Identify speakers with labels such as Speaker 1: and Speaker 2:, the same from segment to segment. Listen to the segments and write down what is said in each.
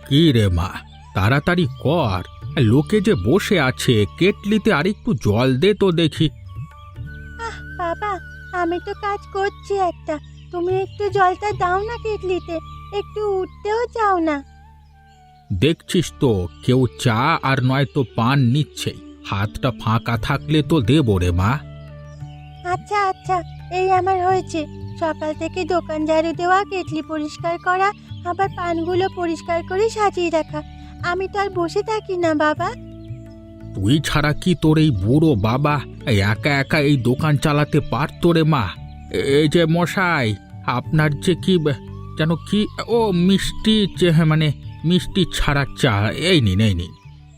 Speaker 1: কি রে মা, তাড়াতাড়ি কর। লোকে যে বসে আছে, কেটলিতে আরেকটু জল দে তো দেখি।
Speaker 2: বাবা, আমি তো কাজ করছি একটা, তুমি একটু জলটা দাও না কেটলিতে, একটু উঠতেও চাও না।
Speaker 1: দেখছিস তো কেউ চা আর নয়তো পান নিচ্ছেই, হাতটা ফাঁকা থাকলে তো দেবো রে মা।
Speaker 2: আচ্ছা আচ্ছা, এই আমার হয়েছে। সকাল থেকে দোকান ঝাড়ু দেওয়া, কেটলি পরিষ্কার করা, আবার পানগুলো পরিষ্কার করে সাজিয়ে রাখা। আমি তো আর বসে থাকি না বাবা।
Speaker 1: তুই ছাড়া কি তোর এই বুড়ো বাবা একা একা এই দোকান চালাতে পারতো রে মা? এই যে মশাই, আপনার যে কি যেন কি, ও মিষ্টি, মানে মিষ্টি ছাড়া চা, এই নিন এই নিন।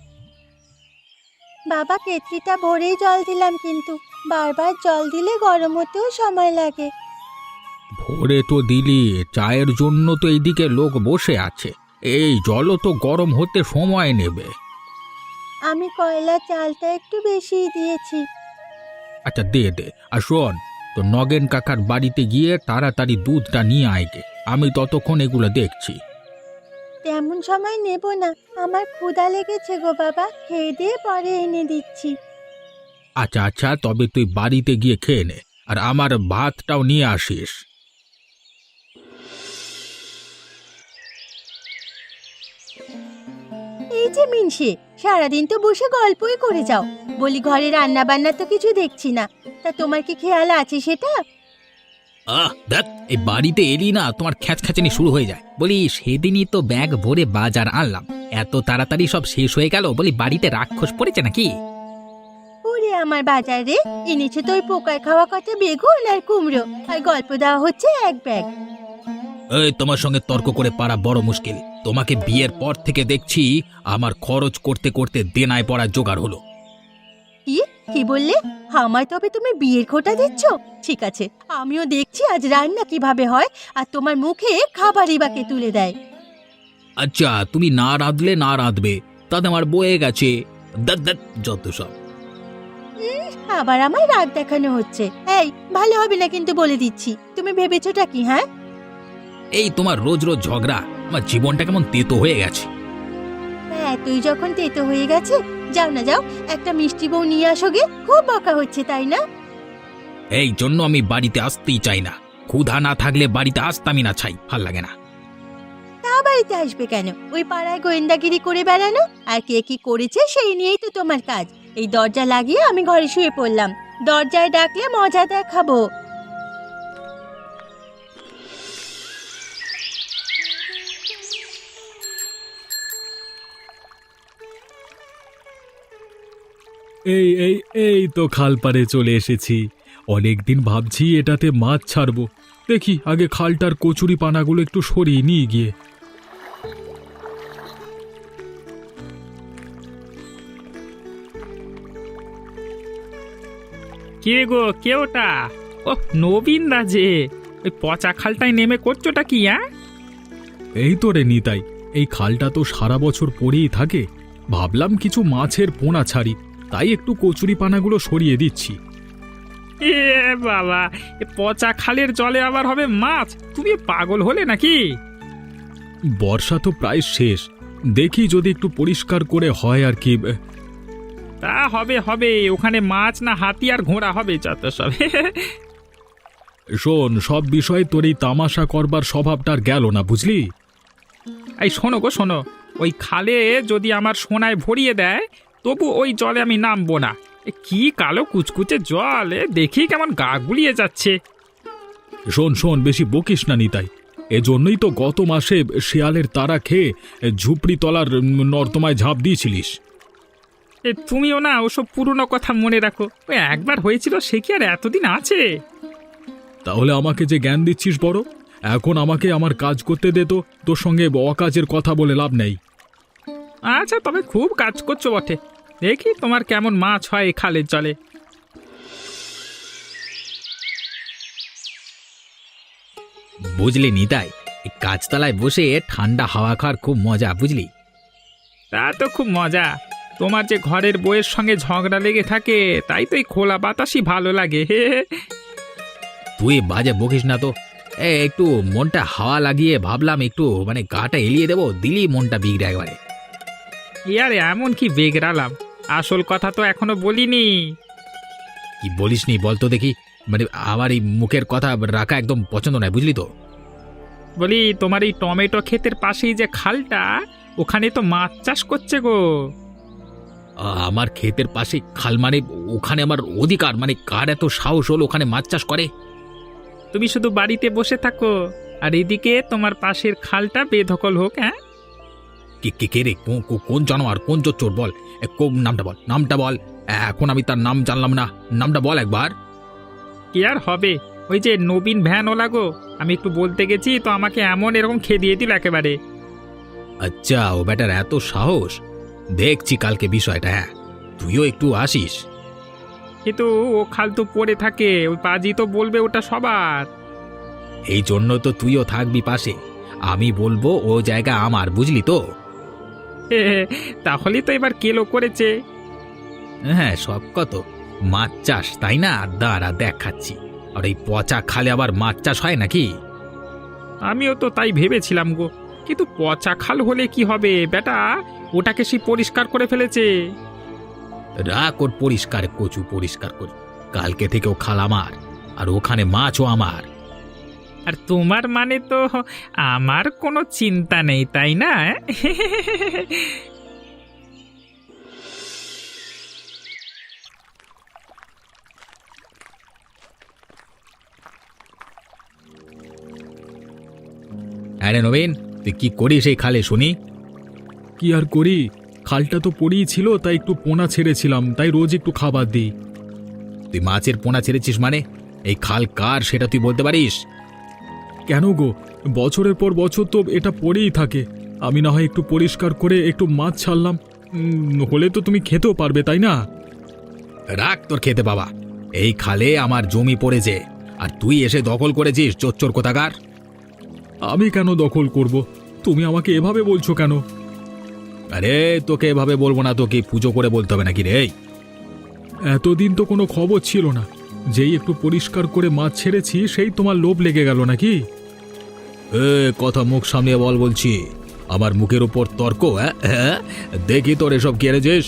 Speaker 2: বাবা, কেটলিটা ভরেই জল দিলাম, কিন্তু বারবার জল দিলে গরম হতেও সময় লাগে।
Speaker 1: ভোরে তো দিলি, চায়ের জন্য তো এইদিকে লোক বসে আছে, এই জলও তো গরম হতে সময় নেবে।
Speaker 2: আমি কয়লা চালটা একটু বেশিই দিয়েছি।
Speaker 1: আচ্ছা দে দে, আর শোন, তো নগেন কাকার বাড়িতে গিয়ে তাড়াতাড়ি দুধটা নিয়ে আয়গে, আমি ততক্ষণ এগুলো দেখছি।
Speaker 2: তেমন সময় নেব না, আমার ক্ষুধা লেগেছে গো বাবা, খেয়ে দিয়ে পরে এনে দিচ্ছি।
Speaker 1: আচ্ছা আচ্ছা, তবে তুই বাড়িতে গিয়ে খেয়ে নে, আর আমার ভাতটাও নিয়ে আসিস।
Speaker 2: এই যে মিনসে, সারাদিন তো বসে গল্পই করে যাও, বলি ঘরে রান্না বান্না তো কিছু দেখছি না, তা তোমার কি খেয়াল আছে সেটা?
Speaker 3: দেখ, এই বাড়িতে এলি না তোমার খ্যাচখ্যাচানি শুরু হয়ে যায়। বলি সেদিনই তো ব্যাগ ভরে বাজার আনলাম, এত তাড়াতাড়ি সব শেষ হয়ে গেল, বলি বাড়িতে রাক্ষস পড়েছে নাকি?
Speaker 2: ওরে আমার বাজার রে, এনেছে তো ওই পোকায় খাওয়া কত বেগুন আর কুমড়ো, আর গল্প দেওয়া হচ্ছে এক ব্যাগ।
Speaker 3: এই তোমার সঙ্গে তর্ক করে পারা বড় মুশকিল। তোমাকে বিয়ের পর থেকে দেখছি আমার খরচ করতে করতে দেনায় পড়া জোগাড় হলো।
Speaker 2: কি কি বললে? আমায় তবে তুমি বিয়ের খোঁটা দিচ্ছ? ঠিক আছে, আমিও দেখছি আজ রান্না কিভাবে হয়, আর তোমার মুখে খাবারই বাকে তুলে দেয়।
Speaker 3: আচ্ছা, তুমি না রাঁধলে না রাঁধবে, তাতে আমার বয়ে গেছে। যত সব।
Speaker 2: আবার আমায় রাগ দেখানো হচ্ছে। এই, ভালো হবে না কিন্তু বলে দিচ্ছি। তুমি ভেবেছোটা কি? হ্যাঁ,
Speaker 3: এই তোমার রোজ রোজ ঝগড়া আমার জীবনটা কেমন তেতো হয়ে গেছে।
Speaker 2: হ্যাঁ, তুই যখন তেতো হয়ে গেছে, যাও না যাও, একটা মিষ্টি বউ নিয়ে আসো গে, খুব বকা হচ্ছে তাই না?
Speaker 3: এই জন্য আমি বাড়িতে আসতেই চাই না। ক্ষুধা না থাকলে বাড়িতে আসতামই না, চাই ভাল লাগে না।
Speaker 2: তা বাড়িতে আসবে কেন? ওই পাড়ায় গোয়েন্দাগিরি করে বেড়ানো, আর কে কি করেছে সেই নিয়েই তো তোমার কাজ। এই দরজা লাগিয়ে আমি ঘরে শুয়ে পড়লাম, দরজায় ডাকলে মজা দেখাবো।
Speaker 4: এই এই এই তো খাল পাড়ে চলে এসেছি। অনেকদিন ভাবছি এটাতে মাছ ছাড়বো, দেখি আগে খালটার কচুরি পানাগুলো একটু সরিয়ে নিয়ে গিয়ে।
Speaker 5: কে গো, কে ওটা? ও নবীন দা যে, ওই পচা খালটায় নেমে করছোটা কি?
Speaker 4: এই তো রে নিতাই, এই খালটা তো সারা বছর পড়েই থাকে, ভাবলাম কিছু মাছের পোনা ছাড়ি, তাই একটু কচুরি পানাগুলো সরিয়ে দিচ্ছি।
Speaker 5: এ বাবা, এ পচা খালের জলে আবার হবে মাছ? তুমি পাগল হলে নাকি?
Speaker 4: বর্ষা তো প্রায় শেষ, দেখি যদি একটু পরিষ্কার করে হয় আর কি।
Speaker 5: তা হবে হবে, ওখানে মাছ না হাতি আর ঘোড়া হবে, যত সব।
Speaker 4: শোন, সব বিষয়ে তোর এই তামাশা করবার স্বভাবটা আর গেল না, বুঝলি?
Speaker 5: এই শোনো গো শোনো, ওই খালে যদি আমার সোনায় ভরিয়ে দেয়, তবু ওই জলে আমি নামবো না। এ কি কালো কুচকুচে জল, দেখি কেমন গা গুলিয়ে যাচ্ছে।
Speaker 4: শোন শোন, বেশি বকিস না নিতাই, এজন্যই তো গত মাসে শিয়ালের তাড়া খেয়ে ঝুপড়ি তলার নর্দমায় ঝাঁপ দিয়েছিলিস।
Speaker 5: তুমিও না ওসব পুরনো কথা মনে রাখো, ওই একবার হয়েছিল, সে কি আর এতদিন আছে?
Speaker 4: তাহলে আমাকে যে জ্ঞান দিচ্ছিস বড়, এখন আমাকে আমার কাজ করতে দে তো, তোর সঙ্গে অকাজের কথা বলে লাভ নেই।
Speaker 5: আচ্ছা, তবে খুব কাজ করছো বটে, দেখি তোমার কেমন মাছ হয় এই খালের জলে।
Speaker 3: বুঝলি নিতাই, এই গাছতলায় বসে ঠান্ডা হাওয়া খাওয়ার খুব মজা, বুঝলি?
Speaker 5: তা তো খুব মজা। তোমার যে ঘরের বউয়ের সঙ্গে ঝগড়া লেগে থাকে, তাই তো এই খোলা বাতাসই ভালো লাগে।
Speaker 3: তুই বাজে বকিস না তো। একটু মনটা হাওয়া লাগিয়ে ভাবলাম একটু মানে গাটা এলিয়ে দেবো, দিলি মনটা বিগড়ে একবারে।
Speaker 5: ইয়ার এমন কি বেগরালাম, আসল কথা তো এখনো বলিনি।
Speaker 3: কি বলিসনি বলতো দেখি, মানে আমার এই মুখের কথা রাখা একদম পছন্দ নয়, বুঝলি তো।
Speaker 5: বলি তোমার এই টমেটো ক্ষেতের পাশেই যে খালটা, ওখানে তো মাছ চাষ করছে গো।
Speaker 3: আমার ক্ষেতের পাশে খাল মানে ওখানে আমার অধিকার, মানে কার এত সাহস হলো ওখানে মাছ চাষ করে?
Speaker 5: তুমি শুধু বাড়িতে বসে থাকো, আর এদিকে তোমার পাশের খালটা বেদখল হোক। হ্যাঁ,
Speaker 3: কে কে কে রে, কোন জানোয়ার, কোন চোর বল, কোন নামটা বল, নামটা বল। এখন আমি তার নাম জানলাম না, নামটা বল একবার।
Speaker 5: কি আর হবে, ওই যে নবীন ভ্যান ওলা গো। আমি একটু বলতে গেছি তো আমাকে এমন এরকম খেদিয়ে দিল একেবারে।
Speaker 3: আচ্ছা, ও ব্যাটার এত সাহস, দেখছি কালকে বিষয়টা। হ্যাঁ, তুইও একটু আসিস।
Speaker 5: কিন্তু ও খাল তো পড়ে থাকে, ওই পাজি তো বলবে ওটা সবার।
Speaker 3: এই জন্য তো তুইও থাকবি পাশে, আমি বলবো ও জায়গা আমার, বুঝলি তো।
Speaker 5: তাহলেই তো এবার কেলো করেছে।
Speaker 3: হ্যাঁ, সব কত মাছ চাষ, তাই না? দাঁড়া দেখাচ্ছি। আর এই পচা খালে আবার মাছ চাষ হয় নাকি?
Speaker 5: আমিও তো তাই ভেবেছিলাম গো, কিন্তু পচা খাল হলে কি হবে বেটা, ওটাকে সে পরিষ্কার করে ফেলেছে।
Speaker 3: রাখ ওর পরিষ্কার, কচু পরিষ্কার করি। কালকে থেকে ও খাল আমার, আর ওখানে মাছও আমার।
Speaker 5: আর তোমার মানে তো আমার কোনো চিন্তা নেই, তাই না?
Speaker 3: আরে নবীন, তুই কি করিস এই খালে শুনি?
Speaker 4: কি আর করি, খালটা তো পড়েই ছিল, তাই একটু পোনা ছেড়েছিলাম, তাই রোজ একটু খাবার দিই।
Speaker 3: তুই মাছের পোনা ছেড়েছিস মানে? এই খাল কার সেটা তুই বলতে পারিস?
Speaker 4: কেন গো, বছরের পর বছর তো এটা পড়েই থাকে। আমি না হয় একটু পরিষ্কার করে একটু মাছ ছাড়লাম, হলে তো তুমি খেতেও পারবে, তাই না?
Speaker 3: রাখ তোর খেতে বাবা, এই খালে আমার জমি পড়েছে, আর তুই এসে দখল করেছিস, চোর কোথাকার।
Speaker 4: আমি কেন দখল করব? তুমি আমাকে এভাবে বলছো কেন?
Speaker 3: আরে তোকে এভাবে বলবো না, তোকে পুজো করে বলতে হবে নাকি রে?
Speaker 4: এতদিন তো কোনো খবর ছিল না, যেই একটু পরিষ্কার করে মাছ ছেড়েছি সেই তোমার লোভ লেগে গেল নাকি?
Speaker 3: কথা মুখ সামনে বল বলছি, আমার মুখের উপর তর্ক? হ্যাঁ, দেখি তোর এসব কি এনেছিস।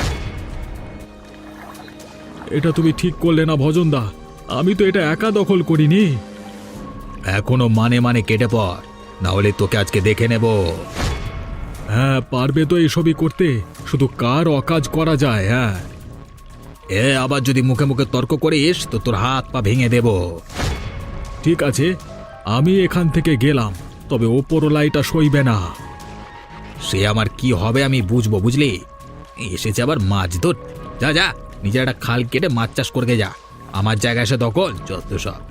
Speaker 4: এটা তুমি ঠিক করলে না ভজনদা, আমি তো এটা একা দখল করিনি।
Speaker 3: এখনো মানে কেটে পড়, না হলে তোকে আজকে দেখে নেব।
Speaker 4: হ্যাঁ, পারবে তো এসবই করতে, শুধু কার অকাজ করা যায়। হ্যাঁ,
Speaker 3: আবার যদি মুখে মুখে তর্ক করিস তো তোর হাত পা ভেঙে দেব।
Speaker 4: ঠিক আছে, আমি এখান থেকে গেলাম, তবে ওপরওয়ালা এটা সইবে না।
Speaker 3: সে আমার কি হবে আমি বুঝবো, বুঝলি? এসেছে আবার মাছ ধর। যা যা, নিজের একটা খাল কেটে মাছ চাষ করতে যা, আমার জায়গায় এসে দখল, যত সব।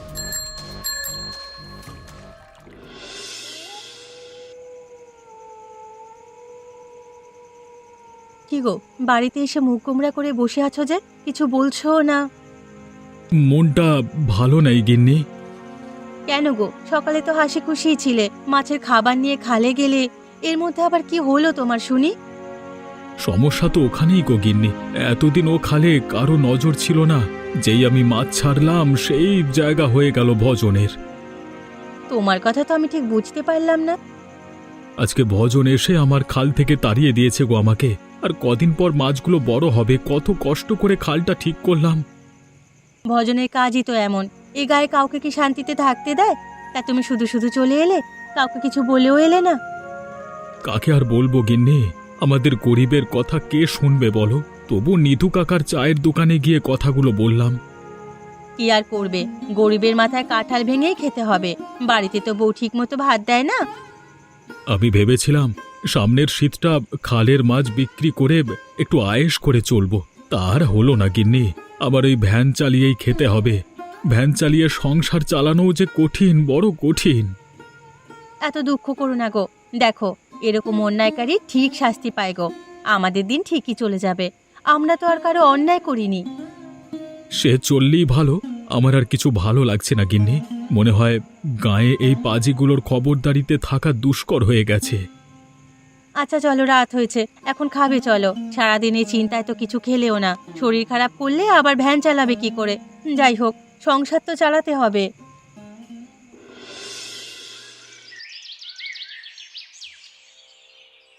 Speaker 2: কি গো, বাড়িতে এসে মুখ গোমড়া করে বসে আছো যে, কিছু বলছো না?
Speaker 4: মনটা ভালো নেই গিন্নি।
Speaker 2: কেন গো, সকালে তো হাসি খুশি ছিলে, মাছের খাবার নিয়ে খালে গেলে, এর মধ্যে আবার কি হলো তোমার শুনি?
Speaker 4: সমস্যা তো ওখানেই গো গিন্নি, এতদিন ও খালে কারো নজর ছিল না, যেই আমি মাছ ছাড়লাম সেই জায়গা হয়ে গেল ভজনের।
Speaker 2: তোমার কথা তো আমি ঠিক বুঝতে পারলাম না।
Speaker 4: আজকে ভজন এসে আমার খাল থেকে তাড়িয়ে দিয়েছে গো আমাকে, আর কদিন পর মাছগুলো বড় হবে, কত কষ্ট করে খালটা ঠিক করলাম।
Speaker 2: ভজনের কাজই তো এমন, এ গায়ে কাউকে কি শান্তিতে থাকতে দেয়? তা তুমি শুধু শুধু চলে এলে, কাউকে কিছু বলেও এলে না।
Speaker 4: কাকে আর বলবো গিন্নি, আমাদের গরিবের কথা কে শুনবে বলো? তবু নিধু কাকার চায়ের দোকানে গিয়ে কথাগুলো বললাম।
Speaker 2: কি আর করবে, গরিবের মাথায় কাঁঠাল ভেঙেই খেতে হবে, বাড়িতে তো বউ ঠিক মতো ভাত দেয় না।
Speaker 4: আমি ভেবেছিলাম সামনের শীতটা খালের মাছ বিক্রি করে একটু আয়েশ করে চলবো, তার হলো না গিন্নি। আবার ওই ভ্যান চালিয়েই খেতে হবে, ভ্যান চালিয়ে সংসার চালানোও যে কঠিন, বড় কঠিন।
Speaker 2: এত দুঃখ করো না গো, দেখো এরকম অন্যায়কারী ঠিক শাস্তি পায় গো, আমাদের দিন ঠিকই চলে যাবে, আমরা তো আর কারো অন্যায় করিনি।
Speaker 4: সে চললেই ভালো, আমার আর কিছু ভালো লাগছে না গিন্নি, মনে হয় গায়ে এই পাজিগুলোর খবরদারিতে থাকা দুষ্কর হয়ে গেছে।
Speaker 2: আচ্ছা চলো, রাত হয়েছে, এখন খাবে চলো, সারাদিন এই চিন্তায় তো কিছু খেলেও না, শরীর খারাপ করলে আবার ভ্যান চালাবে কি করে? যাই হোক, সংসার তো চালাতে হবে।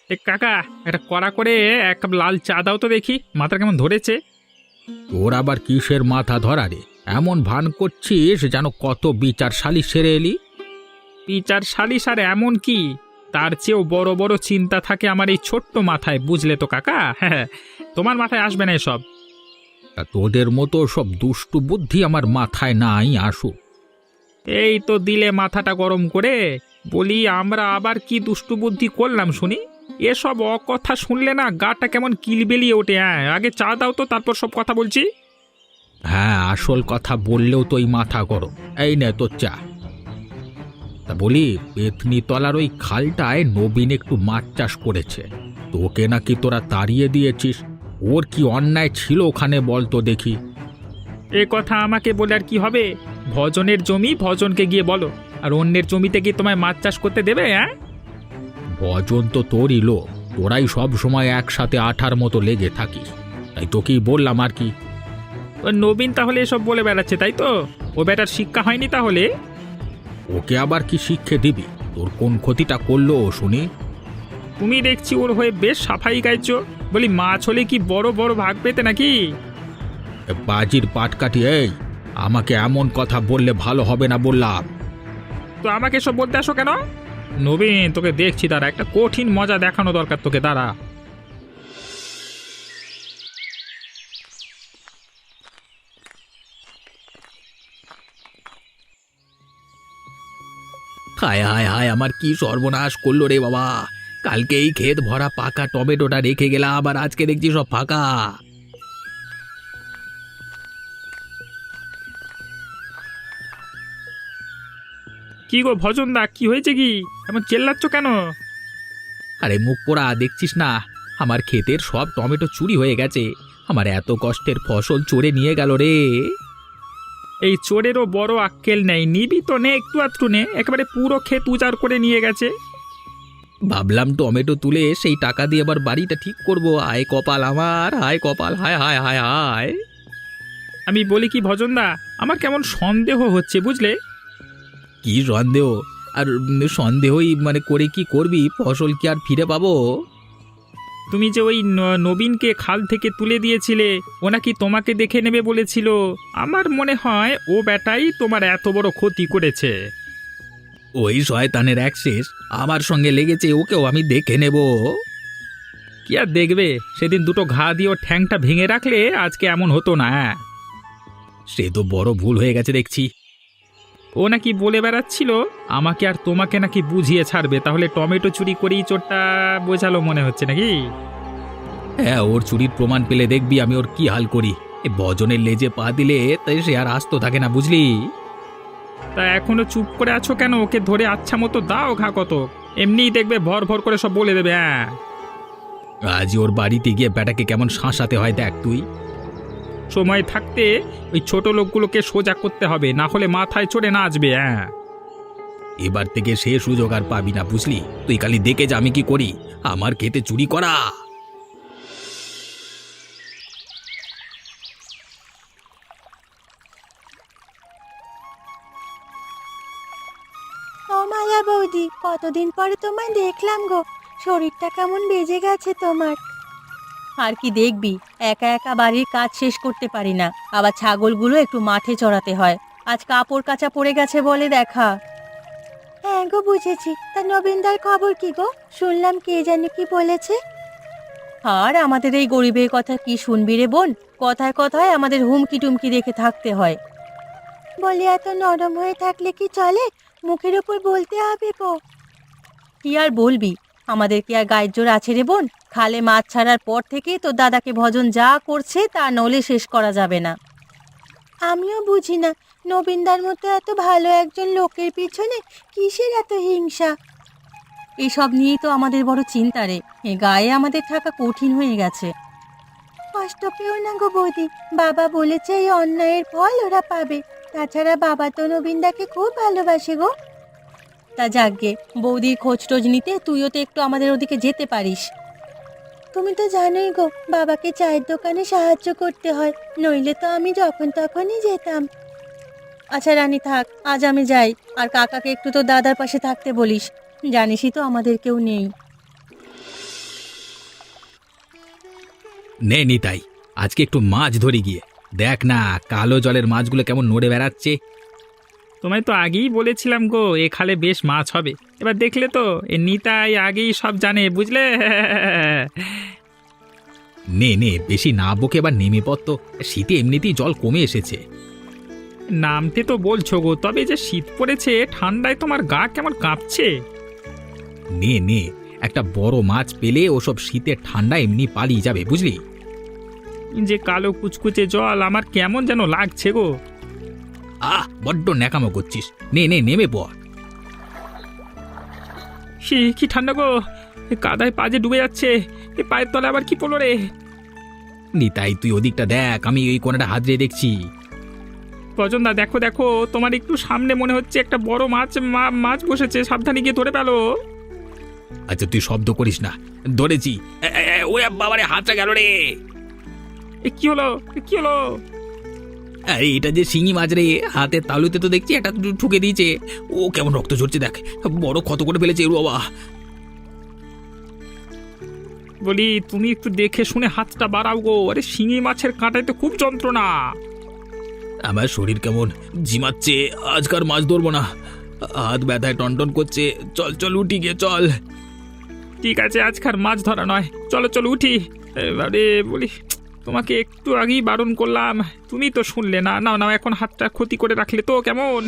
Speaker 5: এ কাকা, একটা কড়া করে এক কাপ লাল চা দাও তো দেখি, মাথা কেমন ধরেছে।
Speaker 1: তোর আবার কিসের মাথা ধরা রে? এমন ভান করছিস যেন কত বিচার সালিশ সেরে এলি।
Speaker 5: বিচার সালিশ আর এমন কি, তার চেয়েও বড় বড় চিন্তা থাকে আমার এই ছোট্ট মাথায়, বুঝলে তো কাকা। হ্যাঁ, তোমার মাথায় আসবে না এসব।
Speaker 1: তা তোদের মতো সব দুষ্টু বুদ্ধি আমার মাথায় নাই আসুক।
Speaker 5: এই তো দিলে মাথাটা গরম করে। বলি, আমরা আবার কি দুষ্টু বুদ্ধি করলাম শুনি? এসব অকথা শুনলে না গাটা কেমন কিলবেলিয়ে ওঠে। হ্যাঁ, আগে চা দাও তো, তারপর সব কথা বলছি।
Speaker 1: হ্যাঁ, আসল কথা বললেও তো এই মাথা গরম। এই নে তোর চা। তা বলি, পেতনি তলার ওই খালটায় নবীন একটু মাছ চাষ করেছে, তোকে নাকি তোরা তাড়িয়ে দিয়েছিস। ওর কি অন্যায় ছিল ওখানে বল তো দেখি।
Speaker 5: এ কথা আমাকে বলে আর কি হবে? ভজনের জমি ভজনকে গিয়ে বলো। আর অন্যের জমিতে কি তোমায় মাছ চাষ করতে দেবে? হ্যাঁ,
Speaker 1: ভজন তো তোরই লোক, তোরাই সব সময় একসাথে আঠার মতো লেগে থাকিস, তাই তোকেই বললাম আর কি।
Speaker 5: ও নবীন তাহলে এসব বলে বেড়াচ্ছে, তাই তো? ও বেটার শিক্ষা হয়নি তাহলে?
Speaker 1: ওকে আবার কি শিক্ষে দিবি? তোর কোন ক্ষতিটা করলো ও শুনি?
Speaker 5: তুমি দেখছি ওর হয়ে বেশ সাফাই গাইছো। বলি, মাছ হলে কি বড় বড় ভাগ পেতে নাকি?
Speaker 1: এ বাজির পাটকাঠি, এই আমাকে এমন কথা বললে ভালো হবে না বললাম।
Speaker 5: তো আমাকে সব বলতে আসো কেন? নবীন, তোকে দেখছি, দাঁড়া, একটা কঠিন মজা দেখানো দরকার তোকে, দাঁড়া।
Speaker 3: হায় হায় হায়, আমার কি সর্বনাশ করলো রে বাবা! কালকেই ক্ষেত ভরা পাকা টমেটোটা রেখে গেলাম, আবার আজকে দেখছি সব ফাঁকা।
Speaker 5: কি গো ভজনদা, কি হয়েছে? কি এমন চেল্লাচ্ছ কেন?
Speaker 3: আরে মুখ পোড়া, দেখছিস না আমার ক্ষেতের সব টমেটো চুরি হয়ে গেছে। আমার এত কষ্টের ফসল চোরে নিয়ে গেল রে।
Speaker 5: এই চোরেরও বড় আক্কেল নেই, নিবি তো নে, একটু আধটু নে, একেবারে পুরো ক্ষেত উজাড় করে নিয়ে গেছে।
Speaker 3: ভাবলাম টমেটো তুলে সেই টাকা দিয়ে আবার বাড়িটা ঠিক করব। হায় কপাল আমার, হায় কপাল, হায় হায় হায় হায়।
Speaker 5: আমি বলি কি ভজনদা, আমার কেমন সন্দেহ হচ্ছে, বুঝলে?
Speaker 3: কি সন্দেহ? আর সন্দেহই মানে করে কি করবি? ফসল কি আর ফিরে পাবো?
Speaker 5: তুমি যে ওই নবীনকে খাল থেকে তুলে দিয়েছিলে, ও নাকি তোমাকে দেখে নেবে বলেছিল। আমার মনে হয় ও বেটাই তোমার এত বড় ক্ষতি করেছে।
Speaker 3: ওই শয়তানের এক শেষ আমার সঙ্গে লেগেছে, ওকেও আমি দেখে নেব।
Speaker 5: কি আর দেখবে, সেদিন দুটো ঘা দিয়ে ওর ঠ্যাংটা ভেঙে রাখলে আজকে এমন হতো না।
Speaker 3: সে তো বড় ভুল হয়ে গেছে দেখছি।
Speaker 5: ও নাকি বলে বেড়াচ্ছিল আমাকে আর তোমাকে নাকি বুঝিয়ে ছাড়বে, তাহলে টমেটো চুরি করেই চোরটা বোঝালো মনে হচ্ছে নাকি?
Speaker 3: হ্যাঁ, ওর চুরির প্রমাণ পেলে দেখবি আমি ওর কি হাল করি। এ ভজনের লেজে পা দিলে তাই সে আর আস্ত থাকে না, বুঝলি?
Speaker 5: তা এখনো চুপ করে আছো কেন? ওকে ধরে আচ্ছা মতো দাও ঘা কত, এমনিই দেখবে ভর ভর করে সব বলে দেবে। হ্যাঁ,
Speaker 3: আজ ওর বাড়িতে গিয়ে ব্যাটাকে কেমন শাঁসাতে হয় দেখ তুই।
Speaker 5: সময় থাকতে ওই ছোট লোকগুলোকে সোজা করতে হবে, না হলে মাথায় চড়ে নাচবে। হ্যাঁ,
Speaker 3: এবার থেকে সে সুযোগ আর পাবি না, বুঝলি? তুই খালি দেখে যা আমি কি করি। আমার খেতে চুরি করা।
Speaker 2: ও মায়া বৌদি, কতদিন পরে তোমায় দেখলাম গো। শরীরটা কেমন বেজে গেছে তোমার? আর কি দেখবি, একা একা বাড়ির কাজ শেষ করতে পারি না, আবার ছাগলগুলো একটু মাঠে চড়াতে হয়। আজ কাপড় কাচা পড়ে গেছে বলে দেখা। হ্যাঁ গো, বুঝেছি। তা নবীনদার খবর কি গো? শুনলাম কে জানি কি বলেছে। আর আমাদের এই গরিবের কথা কি শুনবি রে বোন? কথায় কথায় আমাদের হুমকি টুমকি রেখে থাকতে হয়। বলি, এত নরম হয়ে থাকলে কি চলে? মুখের উপর বলতে হবে গো। কি আর বলবি, আমাদের কি আর গায়ের জোর আছে রে বোন? খালে মাছ ছাড়ার পর থেকে তো দাদাকে ভজন যা করছে তা নলে শেষ করা যাবে না। আমিও বুঝি না, নবীনদার মতো এত ভালো একজন লোকের পিছনে কিসের এত হিংসা? এসব নিয়েই তো আমাদের বড় চিন্তা রে। এ গায়ে আমাদের থাকা কঠিন হয়ে গেছে। কষ্ট পেও না গো বৌদি, বাবা বলেছে এই অন্যায়ের ফল ওরা পাবে। তাছাড়া বাবা তো নবীনদাকে খুব ভালোবাসে গো। তা যাকগে, বৌদির খোঁজ টোজ নিতে তুইও তো একটু আমাদের ওদিকে যেতে পারিস। তুমি তো জানোই গো, বাবাকে চায়ের দোকানে সাহায্য করতে হয়, নইলে তো আমি যখন তখনই যেতাম। আচ্ছা রানী, থাক, আজ আমি যাই। আর কাকাকে একটু তো দাদার পাশে থাকতে বলিস, জানিসই তো আমাদের কেউ নেই।
Speaker 3: নে নিতাই, আজকে একটু মাছ ধরে গিয়ে দেখ না কালো জলের মাছগুলো কেমন নড়ে বেড়াচ্ছে।
Speaker 5: তোমায় তো আগেই বলেছিলাম গো এ খালে বেশ মাছ হবে। এবার দেখলে তো এ নিতাই আগেই সব জানে, বুঝলে?
Speaker 3: নে নে, বেশি না বকে এবার নেমে পড় তো, শীতে এমনিতেই জল কমে এসেছে।
Speaker 5: নামতে তো বলছো গো, তবে যে শীত পড়েছে ঠান্ডায় তোমার গা কেমন কাঁপছে।
Speaker 3: নে নে, একটা বড় মাছ পেলে ওসব শীতের ঠান্ডা এমনি পালিয়ে যাবে, বুঝলি?
Speaker 5: যে কালো কুচকুচে জল আমার কেমন যেন লাগছে গো।
Speaker 3: বড্ড ন্যাকামো করছিস, নে নে নেমে পড়।
Speaker 5: সে কি ঠান্ডা গো, এ কাদায় পা যে ডুবে যাচ্ছে, এ পায়ের তলে আবার কি পড়লো রে।
Speaker 3: নিতাই তুই ওদিকটা দেখ, আমি ওই কোণাটা হাত দিয়ে দেখছি।
Speaker 5: রজনদা দেখো দেখো, তোমার একটু সামনে মনে হচ্ছে একটা বড় মাছ বসেছে, সাবধানে গিয়ে ধরে পেলো।
Speaker 3: আচ্ছা তুই শব্দ করিস না, ধরেছি। ওরে বাবারে, হাতটা গেল রে।
Speaker 5: কি হলো, কি হলো?
Speaker 3: আরে এটা যে শিঙি মাছ রে, হাতের তালুতে তো দেখছি একটা ঠুকে দিয়েছে। ও কেমন রক্ত ঝরছে দেখ, বড় ক্ষত করে ফেলেছে এর বাবা।
Speaker 5: বলি তুমি একটু দেখে শুনে হাতটা বাড়াও গো, আরে শিঙি মাছের কাঁটায় তো খুব যন্ত্রণা।
Speaker 3: আমার শরীর কেমন ঝিমাচ্ছে, আজকার মাছ ধরবো না, হাত ব্যথায় টনটন করছে। চল চল উঠি গিয়ে চল।
Speaker 5: ঠিক আছে, আজকার মাছ ধরা নয়, চলো চলো উঠি। এবারে বলি তোমাকে একটু আগেই বারণ করলাম, তুমি তো শুনলে না। নাও নাও, এখন হাতটা ক্ষতি করে রাখলে তো কেমন।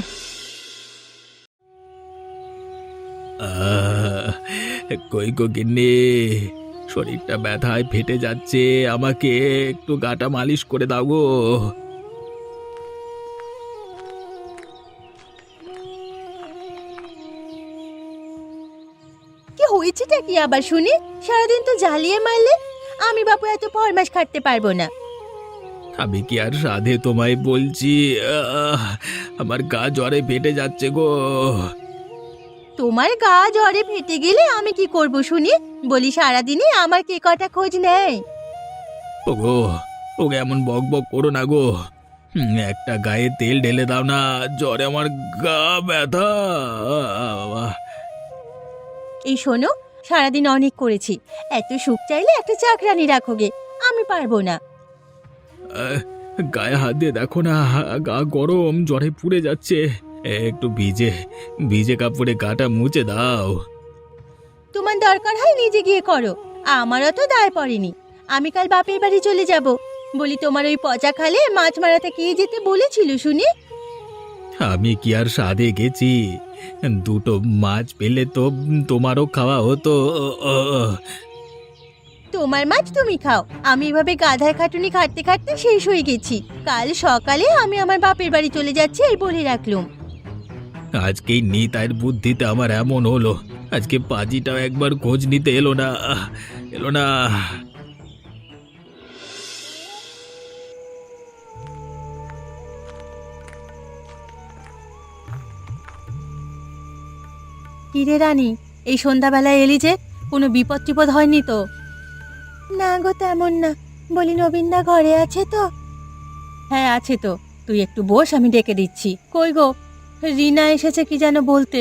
Speaker 3: কই গো গিন্নি, শরীরটা ব্যথায় ফেটে যাচ্ছে, আমাকে একটু গাটা মালিশ করে দাও গো।
Speaker 2: কি হয়েছেটা কি আবার শুনি? সারাদিন তো জ্বালিয়ে মারলে। আমি বাপু এত ফরমাস খাটতে পারবো না।
Speaker 3: আমি কি আর সাধে তোমায় বলছি, আমার গা জ্বরে ফেটে যাচ্ছে গো।
Speaker 2: তোমার গা জ্বরে ফেটে গেলে আমি কি করব শুনি? বলি সারাদিনে আমার কে কটা খোঁজ নেয়।
Speaker 3: ওগো, ওকে এমন বক বক করো না গো। একটা গায়ে তেল ঢেলে দাও না, জ্বরে আমার গা ব্যথা।
Speaker 2: এই শোনো, সারাদিন অনেক করেছি, এত সুখ চাইলে একটা চাকরানি রাখো গে। আমি পারবো না।
Speaker 3: গায়ে হাত দিয়ে দেখো না, গা গরম, জ্বরে পুড়ে যাচ্ছে। একটু ভিজে ভিজে কাপড়ে গাটা মুছে দাও।
Speaker 2: তোমার দরকার হয় নিজে গিয়ে করো, আমারও তো দায় পড়েনি। আমি কাল বাপের বাড়ি চলে যাব। বলি তোমার ওই পচা খালে মাছ মারাতে কে যেতে বলেছিল শুনি?
Speaker 3: আমি কি আর সাধে গেছি? দুটো মাছ পেলে তো তোমারও খাওয়া হতো।
Speaker 2: তোমার মাছ তুমি খাও, আমি এভাবে গাধার খাটুনি খাটতে খাটতে শেষ হয়ে গেছি। কাল সকালে আমি আমার বাপের বাড়ি চলে যাচ্ছি, এই বলে রাখলুম।
Speaker 3: আজকেই নিতাইয়ের বুদ্ধিতে আমার এমন হলো, আজকে পাজিটাও একবার খোঁজ নিতে এলো না, এলো না।
Speaker 2: কিরে রানী, এই সন্ধ্যাবেলায় এলি যে? কোনো বিপদ টিপদ হয়নি তো? না গো, তেমন না। বলি নবীনদা ঘরে আছে তো? হ্যাঁ আছে তো, তুই একটু বস, আমি ডেকে দিচ্ছি। কই গো, রিনা এসেছে কি যেন বলতে?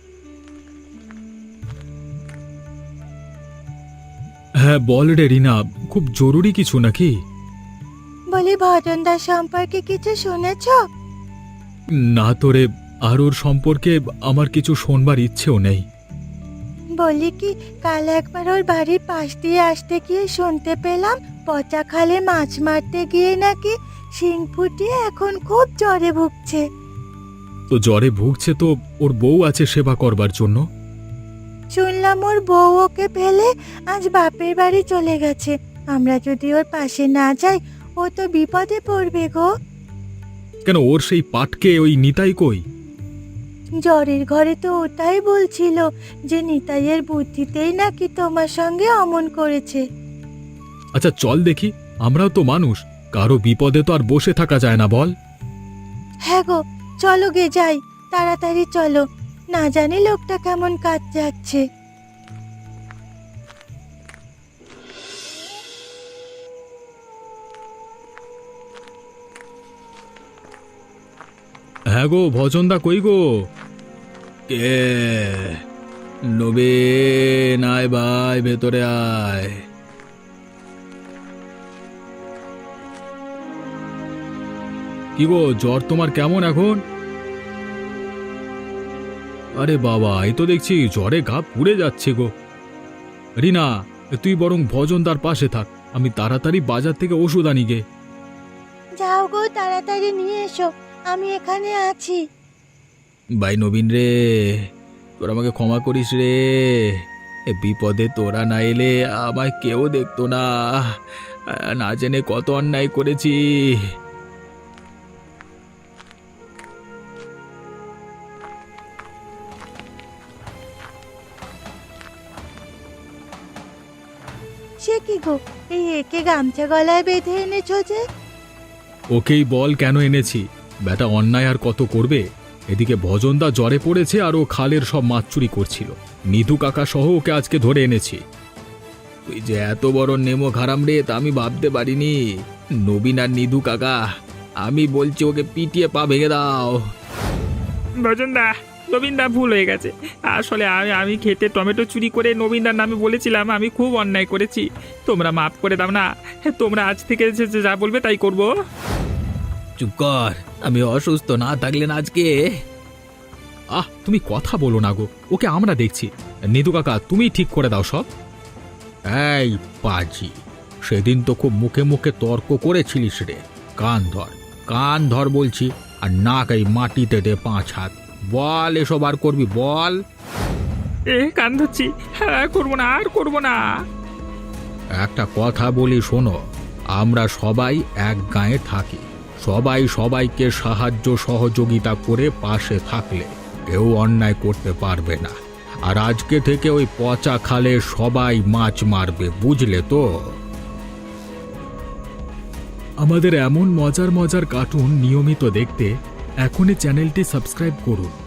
Speaker 4: হ্যাঁ বল রে রিনা, খুব জরুরি কিছু নাকি?
Speaker 2: বলি ভজনদার সম্পর্কে কিছু শুনেছ?
Speaker 4: না তো রে, আর ওর সম্পর্কে আমার কিছু শোনবার ইচ্ছেও নেই।
Speaker 2: বলি কি, কাল একবার ওর বাড়ির পাশ দিয়ে আসতে গিয়ে শুনতে পেলাম পচা খালে মাছ মারতে গিয়ে নাকি শিং ফুটিয়ে এখন খুব জ্বরে ভুগছে।
Speaker 4: তো জ্বরে ভুগছে তো ওর বউ আছে সেবা করবার জন্য।
Speaker 2: শুনলাম ওর বউ ওকে ফেলে আজ বাপের বাড়ি চলে গেছে। আমরা যদি ওর পাশে না যাই, ও তো বিপদে পড়বে গো।
Speaker 4: কেন, ওর সেই পাটকে ওই নিতাই কই?
Speaker 2: জ্বরের ঘরে তো ওটাই বলছিল যে নিতাইয়ের বুদ্ধিতেই নাকি তোমার সঙ্গে অমন করেছে।
Speaker 4: আচ্ছা চল দেখি, আমরাও তো মানুষ, কারো বিপদে তো আর বসে থাকা যায় না বল।
Speaker 2: হ্যাঁ গো, চলো গে যাই, তাড়াতাড়ি চলো, না জানি লোকটা কেমন কাজ যাচ্ছে।
Speaker 4: হ্যাঁ গো ভজনদা, কই গো?
Speaker 3: কে? নবীন, আয় ভাই, ভেতরে আয়।
Speaker 4: কি গো, জ্বর তোমার কেমন এখন? আরে বাবা, এই তো দেখছি জ্বরে গা পুড়ে যাচ্ছে গো। রিনা, তুই বরং ভজনদার পাশে থাক, আমি তাড়াতাড়ি বাজার থেকে ওষুধ আনি গে।
Speaker 2: যাও গো, তাড়াতাড়ি নিয়ে এসো, আমি এখানে আছি।
Speaker 4: ভাই নবীন রে, তোরা আমাকে ক্ষমা করিস রে। এ বিপদে তোরা না এলে আমায় কেউ দেখতো না। না জেনে কত অন্যায় করেছি।
Speaker 2: সে কি গো, এই একে গামছা গলায় বেঁধে এনেছো যে?
Speaker 4: ওকেই বল কেন এনেছি। বেটা অন্যায় আর কত করবে। এদিকে ভজনদা জ্বরে পড়েছে আর ও খালের সব মাছ চুরি করছিল। নিধু কাকা সহ ওকে আজকে ধরে এনেছি। তুই যে এত বড় নেমো খারাম রে, তা আমি ভাবতে পারিনি। নবীন আর নিধু কাকা, আমি বলছি ওকে পিটিয়ে পা ভেঙে দাও।
Speaker 5: ভজনদা, নবীনদা ভুল হয়ে গেছে। আসলে আমি খেতে টমেটো চুরি করে নবীনদার নামে বলেছিলাম আমি খুব অন্যায় করেছি। তোমরা মাফ করে দাও না। তোমরা আজ থেকে যা বলবে তাই করব।
Speaker 3: চুপ কর, আমি অসুস্থ না থাকলেন আজকে।
Speaker 4: তুমি কথা বলো না গো, ওকে আমরা দেখছি। নিধু কাকা, তুমি ঠিক করে দাও সব।
Speaker 1: এই পাজি, সেদিন তো খুব মুখে মুখে তর্ক করেছিলিস রে। কান ধর বলছি, আর নাক এই মাটিতে দে 5 হাত। বল, এসব আর করবি বল।
Speaker 5: কান ধরছি, হ্যাঁ করবো না, আর করবো না।
Speaker 1: একটা কথা বলি শোনো, আমরা সবাই এক গাঁয়ে থাকি। সবাই সবাইকে সাহায্য সহযোগিতা করে পাশে থাকলে কেউ অন্যায় করতে পারবে না। আর আজকে থেকে ওই পচা খালে সবাই মাছ মারবে, বুঝলে তো?
Speaker 4: আমাদের এমন মজার মজার কার্টুন নিয়মিত দেখতে এখনই চ্যানেলটি সাবস্ক্রাইব করুন।